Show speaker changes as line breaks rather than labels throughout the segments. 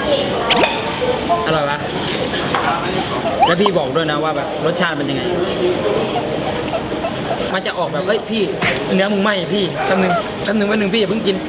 อร่อยปะแล้วพี่บอกด้วยนะว่าแบบรสชาติเป็นยังไงมันจะออกแบบเฮ้ยพี่เนื้อมึงไหมพี่แป๊บนึงพี่อย่าเพิ่งกิน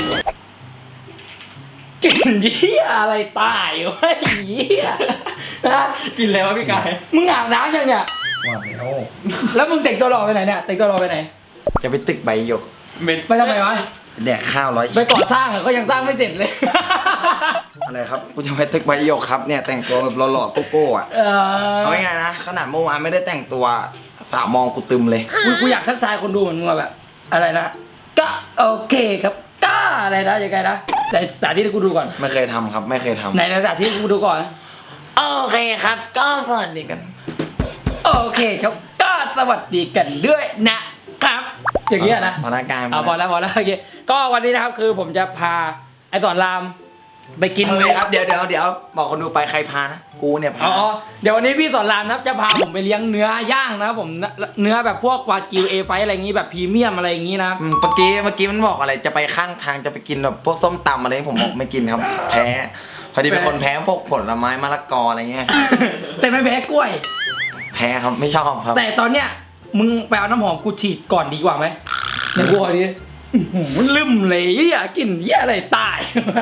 กินเหี้ยอะไรตายวะเหี้ยนะกินอะไรวะพี่กายมึงอาบน้ำยังเนี่ยแล้วมึงแต่งตัวรอไปไหนเนี่ยแต่งตัวรอไปไหน
จะไปตึกใบหยก
ไปทำไมวะ
แดกข้าว100
ไปก่อสร้างก็ยังสร้างไม่เสร็จเลย
อะไรครับกูจะไปตึกใบหยกครับเนี่ยแต่งตัวแบบหล่อๆโก้ๆอ่ะเอาง่ายๆนะขนาดเมื่อวานไม่ได้แต่งตัวสาวมองกูตึมเลย
กูอยากทักทายคนดูเหมือนมึงแบบอะไรนะก็โอเคครับก็อะไรนะยังไงนะแต่สาธิตให้กูดูก่อน
ไม่เคยทำครับไม่เคยทำ
ไหนสาธิตให้กูดูก่อน
โอเคครับก็สวัสดีกัน
โอเคครับก็สวัสดีกันด้วยนะครับอย่างเงี้ยนะ
พนักงาน
พอแล้วโอเคก็วันนี้นะครับคือผมจะพาไอ้สอนรามไปกิน
เลยครับเดี๋ยวบอกคนดูไปใครพานะกูเนี่ยพา
เดี๋ยววันนี้พี่สอนรามนะครับจะพาผมไปเลี้ยงเนื้อย่างนะครับผมเนื้อแบบพวกวากิวเอไฟอะไรอย่างงี้แบบพรีเมียมอะไรอย่างงี้นะ
เมื่อกี้มันบอกอะไรจะไปข้างทางจะไปกินแบบพวกส้มตำอะไรผมบอกไม่กินครับแพ้พอดีเป็นคนแพ้พวกผลไม้มะละกออะไรเงี้ย
แต่ไม่แพ้กล้วย
แพ้ครับไม่ชอบครับ
แต่ตอนเนี้ยมึงไปเอาน้ำหอมกูฉีดก่อนดีกว่าไหมอย่ากลัวดิมันลืมเลยกลิ่นอะไรตาย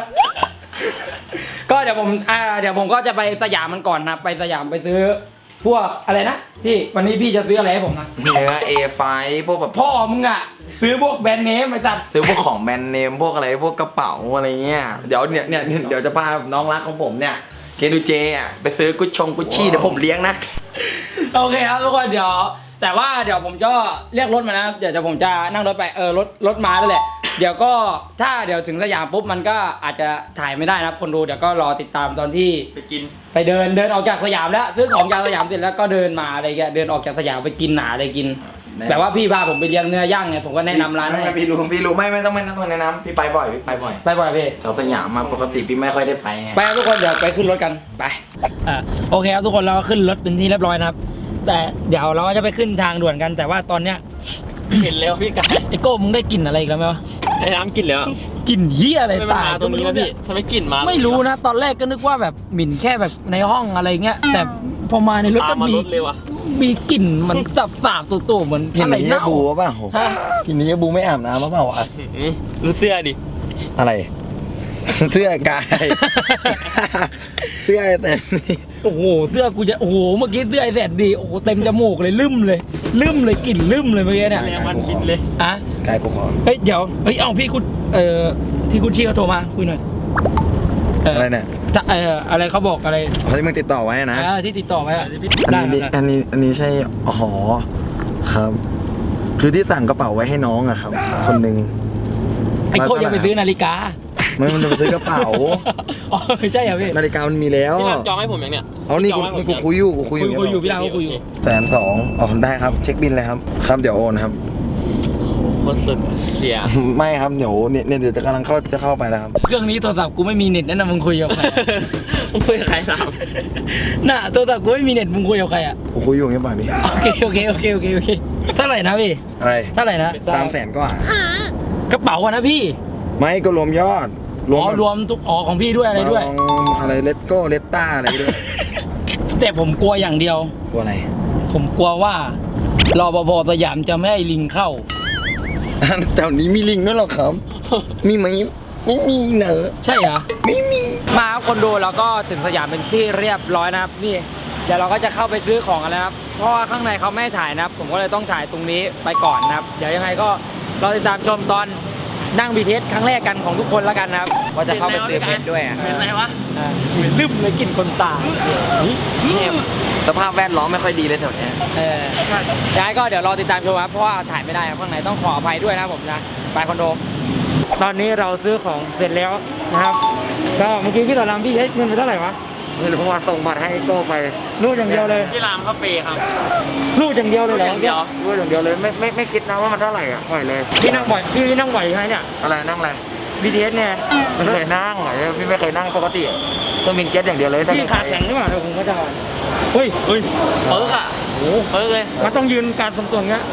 ก็เดี๋ยวผมก็จะไปสยามมันก่อนนะไปสยามไปซื้อพวกอะไรนะพี่วันนี้พี่จะซื้ออะไรให้ผมนะ
เนื้อเอไฟพวกแบบ
พ่อมึงอะซื้อพวกแบรนด์เนมไปตัด
ซื้อพวกของแบรนด์เนมพวกอะไรพวกกระเป๋าอะไรเงี้ยเดี๋ยวจะพาน้องรักของผมเนี่ยเกดูเจอ่ะไปซื้อกุชชี่เดี๋ยวผมเลี้ยงนะ
โอเคครับทุกคนเดี๋ยวแต่ว่าเดี๋ยวผมจะเรียกรถมานะเดี๋ยวผมจะนั่งรถไปรถมาแล้วแหละเดี๋ยวก็ถ้าเดี๋ยวถึงสยามปุ๊บมันก็อาจจะถ่ายไม่ได้นะคนดูเดี๋ยวก็รอติดตามตอนที่
ไปกิน
ไปเดินออกจากสยามแล้วซื้อของจากสยามเสร็จแล้วก็เดินมาอะไรเงี้ยเดินออกจากสยามไปกินหนาอะไรกินแบบว่าพี่พาผมไปเลี้ยงเนื้อย่างไงผมก็แนะนำร้านให้
พี่รู้ไม่ต้องแนะนำพี่ไปบ่อยพี่แถวสยามมาปกติพี่ไม่ค่อยได้ไป
ไปทุกคนเดี๋ยวไปขึ้นรถกันไปโอเคครับทุกคนเราขึ้นรถเป็นที่เรียบร้อยนะครับแต่เดี๋ยวเราจะไปขึ้นทางด่วนกันแต่ว่าตอนเนี้ย
เห็นแล้วพี่กาย
ไอโก้มึงได้กลิ่นอะไรอีกแล้วไหมวะ
ไอ้น้ำกลิ่นแล้ว
กลิ่นเหี้ยอะไรตาย
ตรงนี้วะพี่ทำไมกลิ่นมา
ไม่รู้นะตอนแรกก็นึกว่าแบบหมิ่นแค่แบบในห้องอะไรเงี้ยแต่พอมาในรถก็มีกลิ่นมันสาบตัวเหมือน
อะไรเน่าบูเปล่ากินนี้บูไม่อาบน้ำเปล่าวะ
รู้เสื้อดิ
อะไรเสื้อกายเสื้อแต่นี่
โอ้โหเสื้อกูจะโอ้โหเมื่อกี้เสื้อไอ้แสนดีโอ้โหเต็มจมูกเลยลืมเลยกลิ่นลืมเลยเมื่อกี้เนี่ย
มันกินเลย
อะ
กายกูขอ
เฮ้ยเดี๋ยวเอาพี่คุณที่คุณชี้เขาโทรมาคุยหน่อย
อะไรเนี่ย
อะไรเขาบอกอะไร
เขาที่มึงติดต่อไว้นะ
ที่ติดต่อไว้
อันนี้ใช่อ๋อครับคือที่สั่งกระเป๋าไว้ให้น้องอะครับคนหนึ่ง
ไอ้โคยังไปซื้อนาฬิกา
มันจะไปซื้อกระเป๋า
อ๋อใช่เหรอพี่
นาฬิกามันมีแล้ว
พี่รามจองให้ผมอย่างเนี้ย
เอานี่กูคุยอยู่
พี่รามก็คุยอยู่
120,000อ๋อได้ครับเช็คบินเลยครับเดี๋ยวโอนครับ
โคตรสุดเสีย
ไม่ครับเดี๋ยวเนี่ยเดี๋ยวจะกำลังเข้าไปแล้วครับ
เครื่องนี้โทรศัพท์กูไม่มีเน็ตนะมึงคุยกับใคร
มึงคุยกับใครสาม
น่ะโทรศัพท์กูไม่มีเน็ตมึงคุยกับใครอ่ะ
กูคุยอยู่เงี้ยป่ะดิ
โอเคเท่าไหร่นะพี่
อะไร
เท่าไหร่นะ
300,000กว่
ากระเป๋าอะนะพี่
ไม่ก็รวมยอด
รวมทุกของพี่ด้วยอะไรด้วย
อะไรเลตโก้เลตต้าอะไรด้วย
แต่ผมกลัวอย่างเดียว
กลัวอะไร
ผมกลัวว่ารปภสยามจะไม่ให้ลิงเข้า
แถวนี้มีลิงด้วยหรอครับมีไหมไม่มีเนอะ
ใช่เหรอ
ไม่มี
มาคนดูแล้วก็ถึงสยามเป็นที่เรียบร้อยนะครับนี่เดี๋ยวเราก็จะเข้าไปซื้อของกันแล้วครับเพราะว่าข้างในเขาไม่ถ่ายนะครับผมก็เลยต้องถ่ายตรงนี้ไปก่อนนะครับเดี๋ยวยังไงก็รอติดตามชมตอนนั่ง BTS ครั้งแรกกันของทุกคนแล้วกันนะครับ
ว่าจะเข้าไปซื้อเพชรด้วยอ่ะ
เป็นไรวะ
ลืมเลยกลิ่นคนตาย
สภาพแวดล้อมไม่ค่อยดีเลยแถวนี้
ย้ายก็เดี๋ยวรอติดตามชมครับเพราะว่าถ่ายไม่ได้ครับข้างในต้องขออภัยด้วยนะผมนะไปคอนโดตอนนี้เราซื้อของเสร็จแล้วนะครับก็เมื่อกี้พี่ต่อรามพี่ใช้เงินไปเท่าไหร่วะ
เงินผมส่งบัตรให้โก้ไป
รูดอย่างเดียวเลย
พี่รามเขาเปย์ครับ
รูดอย่างเดียวเลยเหรอ
รูดอย่างเดียวเลยไม่คิดนะว่ามันเท่าไหร่อ่ะปล่อยเลย
พี่นั่งบ่อยใช่ไหมเนี่ย
อะไรนั่งอะไร
BTS เนี่ย
ไม่เคยนั่งพี่ไม่เคยนั่งปกติต้องบินเจ็ตอย่างเดียวเลย
พี่ขาแข็งหรือเปล่าผมก็จะเฮ้ย
เปิดอ่ะโอ้เปิดเลย
มันต้องยืนการตรงๆเงี้ย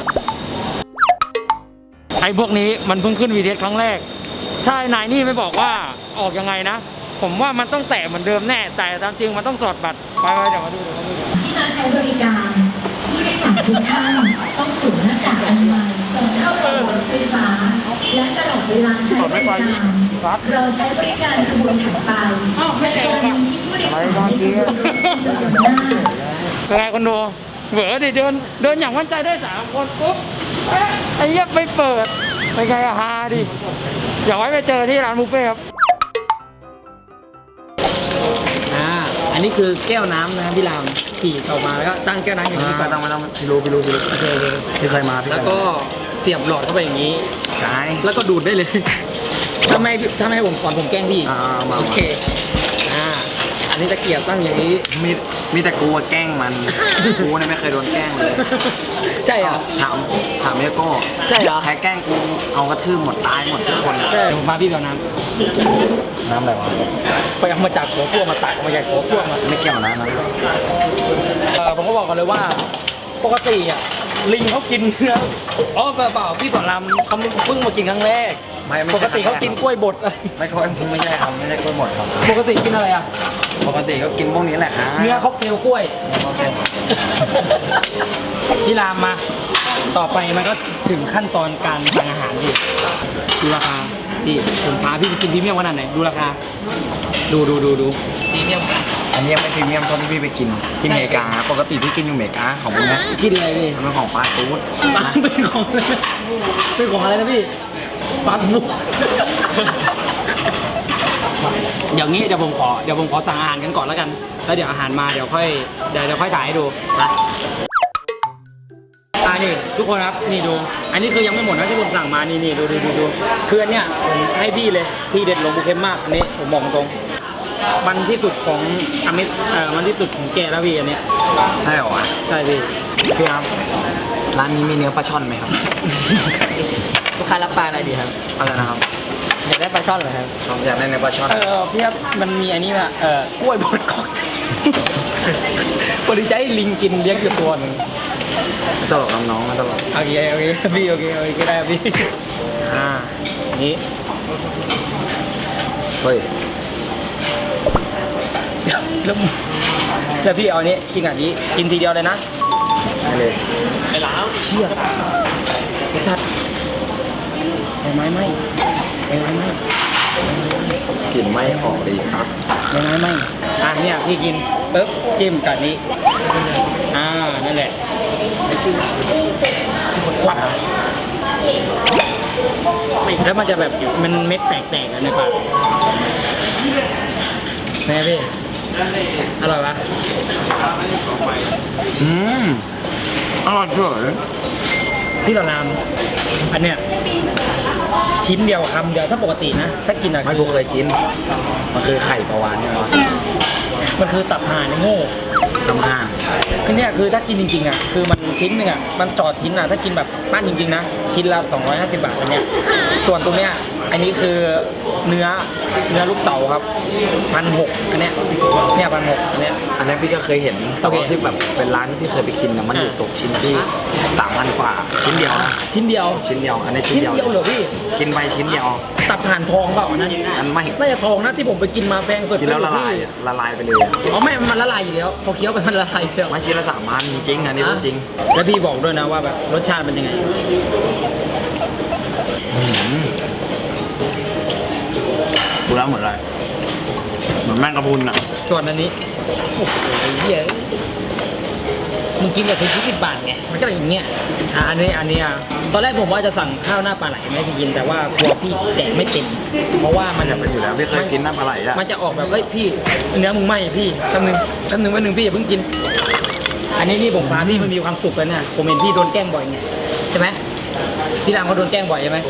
ไอ้พวกนี้มันเพิ่งขึ้น BTS ครั้งแรกถ้านายนี่ไม่บอกว่าออกยังไงนะผมว่ามันต้องแตะเหมือนเดิมแน่ แต่ตามจริงมันต้องสอดบัตรไปเดี๋ยวมาดู
ที่มาใช้บริการผู้โดยสารทุกท่านต้องสวมหน้ากากอนามัยก่อนเข้าระบบรถไฟฟ้า และตลอดเวลาใช้บริการรอใช้บริการขบวนถัดไปในกรณีที่ผู้โดยสารในขบวนรถเป็นจำนวนมาก
เป็นไงคนดูเหวอดิเดินอย่างมั่นใจได้3คนปุ๊บเอ๊ะไอ้เหี้ยไปเปิดไปไงอะฮาดิอย่าไว้ไปเจอที่ร้านบุฟเฟ่ครับอันนี้คือแก้วน้ำนะพี่รามขี่ออกมาแล้วก็ตั้งแก้วน้ำอย่างนี้ก่อน
ไม่ต้องพี่รู้พี่เคยมาพี่
แล้วก็เสียบหลอดเข้าไปอย่างนี้
ใช่
แล้วก็ดูดได้เลยถ้าไม่ให้ผมก่อนผมแกล้งพี่
มา
โอเคอันนี้ตะเกียบตั้งอย่างนี้
มีแต่กูแกล้งมันกูเนี่ยไม่เคยโดนแกล้งเลย
ใช่เหรอ
ถามเมียโก้
ใช่เหรอ
ใครแกล้งกูเอากระทืบหมดตายหมดทุกคน
ใช่ผมมาพี่เดี๋ยวน้
น้ำอะไรวะ
ำไปเอามาจากหัวพ่วงมาตักมาจากหัวพ่วงมา
ไม่เกี่ยวนะ
ผมก็บอกกันเลยว่าปกติอ่ะลิงเขากินเนื้อเปล่าพี่สอนรามเขาเพิ่งมากินครั้งแรก
ไม่
ปกติเขากินกล้วยบดอะไร
ไม่ค่อยไม่ใช่ครับไม่ใช่กล้วยหมดครับ
ปกติกินอะไรอ่ะ
ปกติก็กินพวกนี้แหละครับ
เนื้อค็อกเทลกล้วย พี่รามมา ต่อไปมันก็ถึงขั้นตอนการสั่งอาหารดิดูราคาพี่ผมพาพี่ไปกินพรีเมียมขนาดไหนดูราคาดูพรีเมียม
อันนี้ยังไม่พรีเมียมเท่าที่พี่ไปกินที่อเมริกาปกติพี่กินอยู่อเมริกาของพวกนี้
กินอะไรพี่
มันเป็นของฟาสต์ฟู้ด
เป็นของอะไรนะเป็นของอะไรนะพี่ฟาสต์ฟู้ดเดี๋ยวผมขอสั่งอาหารกันก่อนแล้วกันแล้วเดี๋ยวอาหารมาเดี๋ยวค่อยถ่ายให้ดูนะนี่ทุกคนครับนี่ดูอันนี้คือยังไม่หมดนะที่ผมสั่งมานี่ดูคืออันเนี้ยผมให้พี่เลยที่เด็ดลงบุเค็มมากอันนี้ผมบอกตรงมันที่สุดของมันที่สุดของแกแล้วพี่อันเนี้ย
ใช่เหรอวะ
ใช่พี่
พี่ครับร้านนี้มีเนื้อปลาช่อนไหมครับ
ลูกค้ารับปลาอะไรดีครับ
อะไรนะครับ
อยากได้ปลาช่อนเหรอครับ
ผมอยากได้เนื้อปลาช่อน
พี่ครับมันมีอันนี้ว่ะกล้วยบดค็อกเทลพอดีใจให้ลิงกินเลี้ยงอยู่ตัวหนึ่ง
ไม่ตลกน้องๆไม่ตลก
โอเคพี่โอเคก็ได้พี่นี่
เฮ้ย
แล้วพี่เอาอันนี้กินกับนี้กินทีเดียวเลยนะ
ได้เลย
ไปล้าง
เชี่ยไอ้สัตว์ไม้ไหม
กลิ่นไม่ออกเลยครับ
ไม่เนี่ยพี่กินปึ๊บจิ้มกับนี้นั่นแหละควักแล้วมันจะแบบมันเม็ดแตกๆกันในปากแม่พี่อร่อยปะ
อร่อยเฉย
พี่ต่อรามอันเนี้ยชิ้นเดียวคำเดียวถ้าปกตินะถ้ากินอะ
ไม่กูเคยกินมันคือไข่ปลาวานใช่ไหมวะ
มันคือตับห่านโง่
ตำห่าน
คือเนี่ยคือถ้ากินจริงๆอ่ะคือมันชิ้นหนึงอ่ะมันจอดชิ้นอ่ะถ้ากินแบบปั้นจริงๆนะชิ้นละ250 บาทอันเนี้ยส่วนตรงเนี้ยอันนี้คือเนื้อลูกเต่าครับ1,600อันเนี้ย1,600อันเนี้ย
อันนี้พี่ก็เคยเห็นแต่ว่าที่แบบเป็นร้านที่พี่เคยไปกินนะมันอยู่ตกชิ้นที่ 3,000 กว่าชิ้นเดียวนะ
ชิ้นเดียว
ชิ้นเดียวอันนี้ชิ้
ชิ้
น
น
เดียว
เดียวเหรอพี่
กินไปชิ้นเดียว
ตับห่านทองเปล่าอันนั้น
อันไม่
น่าจะทองนะที่ผมไปกินมาแพงสุด
กินแล้วละลายอะละลายไปเลยอะ
อ๋อไม่มันละลายอยู่แล้วพอเคี้ยวไปมันละลายอยู่แล้ว
ไม่ชิ้นละ3,000จริงๆอันนี้พูดจริง
แล้วพี่บอกด้วยนะว่าแบบรสชาติเป็นยังไง
ดูแล้วเหมือนอะไรเหมือนแมงกะพรุนอ่ะ
ส่วนอันนี้โอ้โหเหี้ยมึงกินแบบถึง10 บาทไงมันก็อย่างเงี้ยอันนี้ตอนแรกผมว่าจะสั่งข้าวหน้าปลาไหลไม่ให้พี่กินแต่ว่ากลัวพี่แดกไม่เต็มเพราะว่ามัน
อยากเป็นอยู่แล้วพี่เคยกินน้ำปลาไหลอ่ะ
มันจะออกแบบเฮ้ยพี่เนื้อมึงไหมพี่แป๊บนึงพี่อย่าเพิ่งกิน อันนี้นี่ผมพาพี่มันมีความสุขกันเนี่ยผมเห็นพี่โดนแกล้งบ่อยไงใช่ไหมพี่รามเขาโดนแกล้งบ่อยใช่ไหม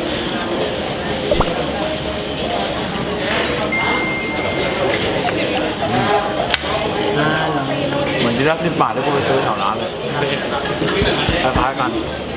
เหมือนที่รัก10 บาทที่กูไปซื้อแถวร้านเลยคล้ายๆกัน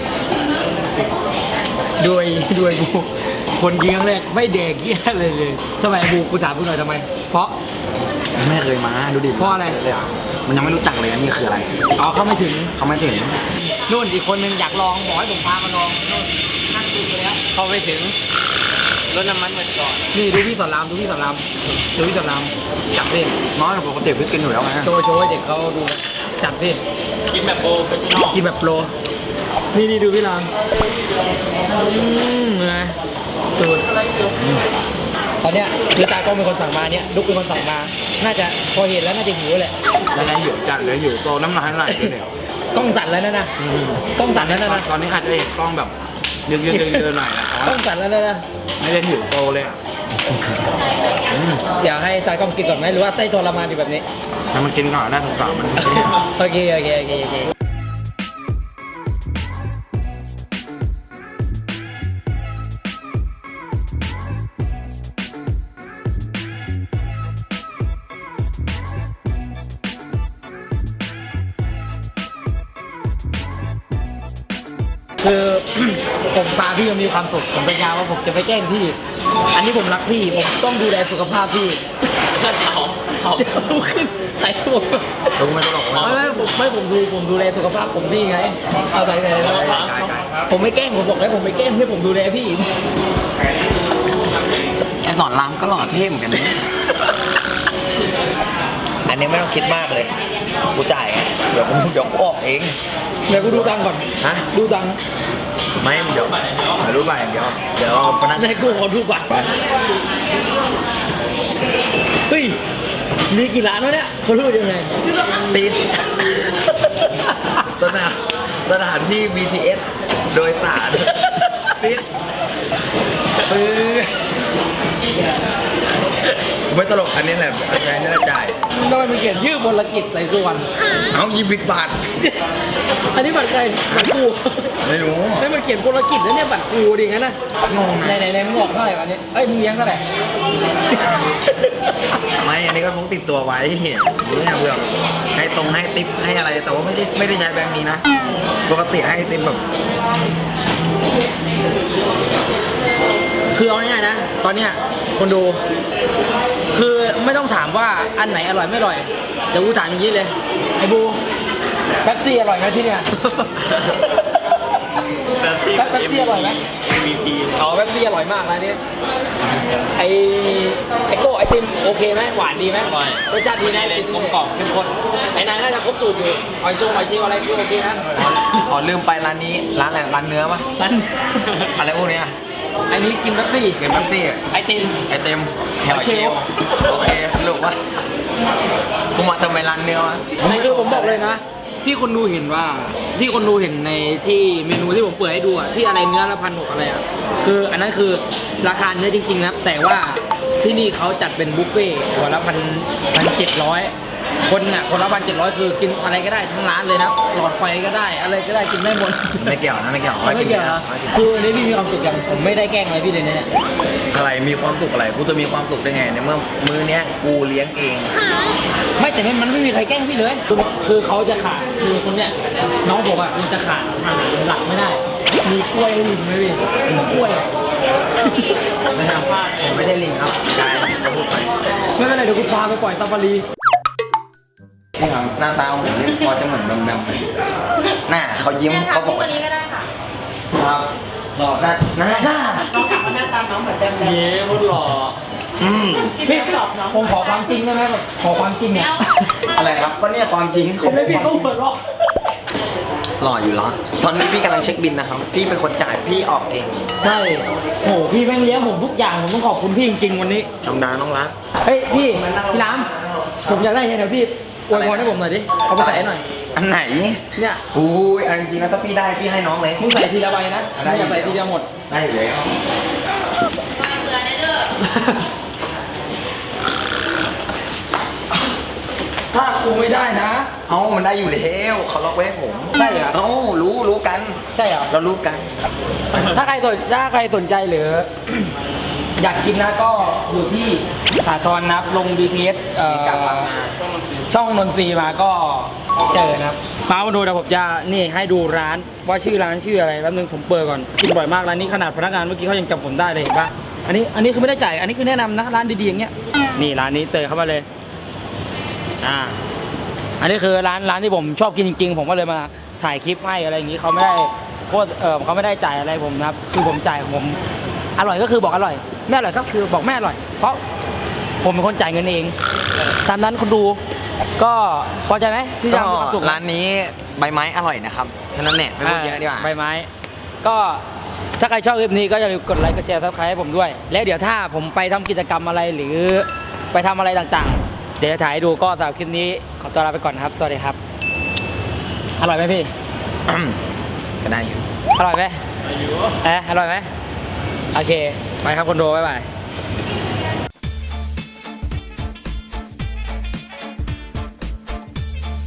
ด้วยบูคนกินครั้งแรกไม่แดกเกี้ยเลยทำไมบูกูถามกูหน่อยทำไม เพราะ
ไม่เคยมาดูดิ
เพราะอะไร
เลยอ่ะมันยังไม่รู้จักเลยอันนี้คืออะไร
อ๋อเขาไม่ถึง
เขาไม่ถึง
นู่นอีกคนนึงอยากลองบอกให้ผมพามาลองนู่นนั่งดูไปแล้วเขาไม่ถึง
รถน้ำมันเหมือนก่อน
นี่ดูพี่สอนรามดูพี่สอนรามดูพี่สอนรามจับดิ
น้อยปกติพี่กินอยู่แล้วไง
โชว์ให้เด็กเขาดูจับดิ
กินแบบโปรเฟชชั่นอล
กินแบบโปรนี่ดูพี่รามไงสูตรตอนเนี้ยคือตากล้องเป็นคนสั่งมาเนี่ยลุกเป็นคนสั่งมา น่าจะพอเห็นแล้วน่าจะหิวแหละ
แล้วนะหิวจัดเลยหิวโตน้ำลายไหลเลยเนี่ย
กล้องสั่นแล้วนะกล้องสั่นแล้วนะ
ตอนนี้อาจจะเห็นกล้องแบบเยอะๆหน่อยนะ
กล้องสั่นแล้วนะ
ไม่ได้หิวโตเลยอ่ะ
อยากให้ตากล้องกินก่อนไหมหรือว่าใต้ทรมานอยู่แบบนี้
ให้มันกินก่อนได้ถูกต้องมัน
โอเคคือ ผมพาพี่มันมีความสุขผมสัญญาว่าผมจะไม่แกล้งพี่ อันนี้ผมรักพี่ผมต้องดูแลสุขภาพพี่
เอา
เดี๋ยวลุกขึ้นใส่ผม
ลุงไม่ตลกนะ
ผมดูแลสุขภาพผมพี่ไงเอาใส่แล้ว
ไก่
ผมไม่แกล้งผมบอกแล้วผมไม่แกล้งให้ผมดูแลพี่
ไอ้สอนรามก็หล่อเท่เหมือนกันนะอันนี้ไม่ต้องคิดมากเลยกูจ่ายไงเดี๋ยวกูออกเอง
เดี๋ยวกูดูตังค์ก่อน
ฮะ
ดูตังค์
ไม่เดี๋ยวรู้ป่ะอย่างเดียวเดี๋ยวพนัก
ให้กูขอดูบัตรเฮ้ยมีกี่ร้านวะเนี่ยเขารู้ยังไง
ติดสถานที่ BTS โดยสารติดปื้อไม่ตลกอันนี้แหละอันนี้แหละจ่าย
ทำไมมันเขียนชื่อบนกิจใส่ส่วน
เอา20 บาท
อันนี้บัตรใครบัตรกู
ไม่รู้
ไม่มันเขียนบนกิจแล้วเนี่ยบัตรกูดิงั้นนะ
งง
ไหน
นะ
มึงบอกเท่าไหร่วะเนี่ยเอ้ยมึงเลี้ยงเท่าไหร่
ไม่อันนี้ก็พกติดตัวไว้เห็นเพื่อให้ให้ติ๊บให้อะไรแต่ว่าไม่ได้ใช้แบงค์นี้นะปกติให้ติ๊บแบบ
คือเอาง่ายๆนะ ตอนเนี้ยคนดู คือไม่ต้องถามว่าอันไหนอร่อยไม่อร่อยเดี๋ยวกูถามอย่างนี้เลยไอ้บูแป๊บซี่อร่อยไหมที่เนี่ย
แป๊บซี่
แป๊บซี่อร่อยไหม
MVP
อ๋อแป๊บซี่อร่อยมากนะนี่ไอโก้ไอติมโอเคไหมหวานดีไหม
อร่อย
รสชาติดีนะ
เลยกลมกล่อมเข้มข้น
ไอ้นายน่าจะครบสูตรอยู่หอยชิวอะไรก็โอเคนะ
อ๋อลืมไปร้านนี้ร้านอะไรร้านเนื้อปะ
นั้น
อะไรพวกเนี้ย
อันนี้กินแป๊บซี่
เกมแป๊บตี้
ไอติม
ไอเต็มแถวเชลโอเคสรุปว่ากูมาทำไมร้านเนื้อวะ
นี่คือผมบอกเลยนะ ที่คนดูเห็นว่าที่คนดูเห็นในที่เมนูที่ผมเปิดให้ดูอะที่อะไรเนื้อละ1,600อะไรอะคืออันนั้นคือราคาเนื้อจริงๆนะแต่ว่าที่นี่เขาจัดเป็นบุฟเฟ่ต์หัวละ1,700คนน่ะคนละ1,700คือกินอะไรก็ได้ทั้งร้านเลยนะหลอดไฟก็ได้อะไรก็ได้กินได้หมด
ไม่เกี่ยวนะไม่เกี่ยว
ไม่เกี่ยวนะคืออันนี้พี่มีความสุขอย่างผมไม่ได้แกล้งอะไรพี่เลยเนี่ย
อะไรมีความสุขอะไรกูจะมีความสุขได้ไงในเมื่อมื้อเนี้ยกูเลี้ยงเอง
ไม่แต่มันไม่มีใครแกล้งพี่เลยคือเขาจะขาดคือคนเนี้ยน้องผมอ่ะมันจะขาดอาหารหลักไม่ได้ มีกล้วยให้ลิงไหมพี่กล้วย
ไม่ทำพลาดผมไม่ได้ลิงครับกายเขาพูดไป
ไม่เป็นไรเดี๋ยวกูพาไปปล่อยซาฟารี
นี่ครับหน้าตาผมนี่พอจะเหมือนแบมหน้าเขายิ้มเขาบอกว่า
นี้ก็ได้ค่ะ
ครับหล่อหน้า
น้องถามว่าหน้าตาน้องเหมือนเดิมเลย
เย้โคตรหล่อ
พี่ผมขอความจริงได้ไหมแบบขอความจริงเนี่ย
อะไรครับก็เนี่ยความจริง
ผมไม่พี่ต้องเปิดหรอก
หล่ออยู่แล้วตอนนี้พี่กำลังเช็คบินนะครับพี่เป็นคนจ่ายพี่ออกเอง
ใช่โหพี่แม่งเลี้ยงผมทุกอย่างผมต้องขอบคุณพี่จริงๆวันนี้
ธรรมดาน้องรัก
เฮ้ยพี่น้ำผมอยากได้ไงเดี๋ยวพี่อวยพรให้ผมหน่อยดิเอาไปใส่ให้หน่อย
อันไหน
เนี่ย
อุ้ยอันจริงๆนะถ้าพี่ได้พี่ให้น้องเลย
มึงใส่ทีละใบนะมึงอย่าใส่ทีเดียวหมด
ได้อยู่แล้ว
มาเบื่อได้เด้อ
ถ้ากูไม่ได้นะ
เอ้ามันได้อยู่แล้วเขาล็อกไว้ให้ผม
ใช่เหรอ
เอ้ารู้กัน
ใช่เหรอ
เรารู้กัน
ถ้าใครสนใจหรือ อยากกินนะก็อยู่ที่สาทรนะครับลง BTS
กลับมา
ช่องนนทรีย์มาก็เจอนะครับมาดูเดี๋ยวผมจะนี่ให้ดูร้านว่าชื่อร้านชื่ออะไรแป๊บนึงผมเปิดก่อนกินบ่อยมากร้านนี้ขนาดพนักงานเมื่อกี้เขายังจำผมได้เลยเห็นปะอันนี้คือไม่ได้จ่ายอันนี้คือแนะนำนะร้านดีๆอย่างเงี้ยนี่ร้านนี้เจอเข้ามาเลยอันนี้คือร้านที่ผมชอบกินจริงๆผมก็เลยมาถ่ายคลิปให้อะไรอย่างงี้เขาไม่ได้โคตรเขาไม่ได้จ่ายอะไรผมนะครับคือผมจ่ายผมอร่อยก็คือบอกอร่อยไม่อร่อยก็คือบอกไม่อร่อย เพราะผมเป็นคนจ่ายเงินเอง ตามนั้นคนดูก็พอใจไหมที่จะ
ก็
มีความสุข
ร้านนี้ใบไม้อร่อยนะครับแค่นั้นแหละไม่พูดเยอะดีกว่า
ใบไม้ ก็ถ้าใครชอบคลิปนี้ก็อย่าลืมกดไลค์กดแชร์ซับสไครต์ให้ผมด้วย แล้วเดี๋ยวถ้าผมไปทำกิจกรรมอะไรหรือไปทำอะไรต่างๆ เดี๋ยวจะถ่ายให้ดูก็สำหรับคลิปนี้ขอตัวลาไปก่อนนะครับ สวัสดีครับ อร่อยไหมพี่
ก็ได้อยู่
อร่อยไหมอร่อยไหมโอเค ไปครับคนดูบ๊ายบาย